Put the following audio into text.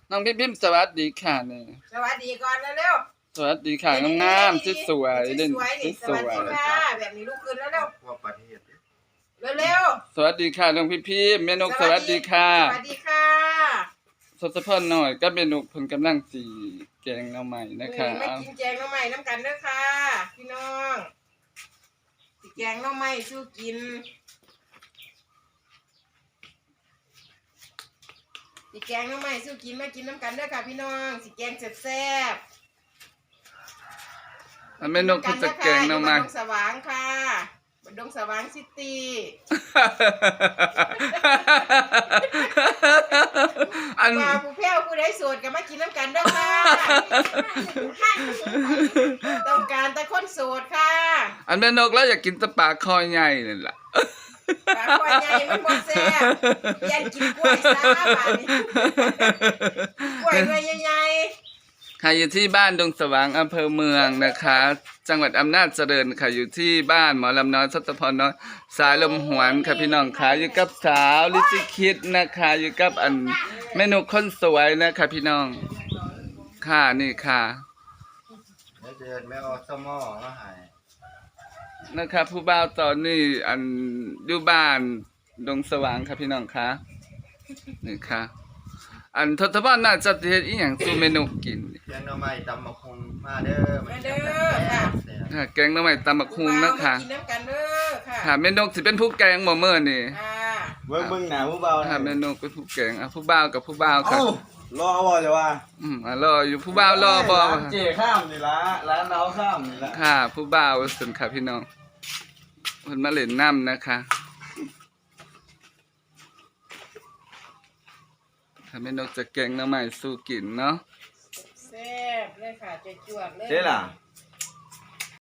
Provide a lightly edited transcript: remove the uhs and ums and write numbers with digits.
น้องพิมพ์สวัสดีค่ะเนี่ยสวัสดีก่อนเร็วสวัสดีค่ะงามๆสวยๆเล่นๆสสวัสวดียค่ะแบบนี้ลุกขึ้นแล้วเร็วว่าประเทศเร็วๆสวัสดีค่ะน้องพิมพ์แม่นกสวัสดีค่ะสวัสดีค่ะสดสะพอนหน่อยก็เมนูเพิ่นกำลังสีแกงหน่อใหม่นะคะไม่กินแกงหน่อไม้น้ำกันเด้อค่ะพี่น้องสิแกงหน่อไม้สู้กินสิแกงหน่อไม้สู้กินมากินน้ำกันเด้อค่ะพี่น้องสิแกงแซ่บๆเมนูเพิ่นจะแกงหน่อไม้อยู่บ้านดงสว่างค่ะบ้านดงสว่างซิตี้อันว่าผู้แพ้วผู้ใดโสดก็มากินน้ำกันเด้อค่ะ ต้องการแต่คนโสดค่ะอันแม่นกแล้วอยากกินแตะปลาคอใหญ่นั่นล่ะปลาควายใหญ่มันบ่แซ่บเปลี่ยนกินกล้วยซะบาดนี้กล้วยหน่วยใหญ่ค่ะอยู่ที่บ้านดงสว่างอำเภอเมืองนะคะ จังหวัดอำนาจเจริญค่ะอยู่ที่บ้านหมอลำน้อยสตพรน้อยสายลมหวนค่ะพี่น้องค่ะอยู่กับสาวลิซิคิดนะคะอยู่กับอันแม่นกคนสวยนะคะพี่น้องค่ะนี่ค่ะแล้วเดินแม่ออสมอมาหายนะครับผู้บ่าวตอนนี้อันอยู่บ้านดงสว่างครับพี่น้องคะนี่ค่ะอันทศพรน่าจะเฮ็ดอีหยังสู่เมนูกินเพียงหน้อไม้ตำมะคงมาเด้อๆมาเด้อค่ะค่ะแกงหน่อไม้ตำบักหุ่งนะคะมากินน้ำกันเด้อค่ะค่ะเมนูสิเป็นผู้แกงบ่มื้อนี่ค่ะเบิ่งหน้าผู้เบาค่ะเมนูเป็นผู้แกงผู้บ่าวกับผู้บ่าวค่ะรอบ่จะว่ารออยู่ผู้บ่าวรอบ่เจ๊ข้ามนี่ละร้านเราข้ามนี่ละค่ะผู้บ่าวสุนค่ะพี่น้องเพิ่นมาเล่นน้ำนะคะถ้าแม่นกจะแกงหน่อไม้สู้กินเนาะแซ่บเลยค่ะจวดๆเลยเจ๊ล่ะ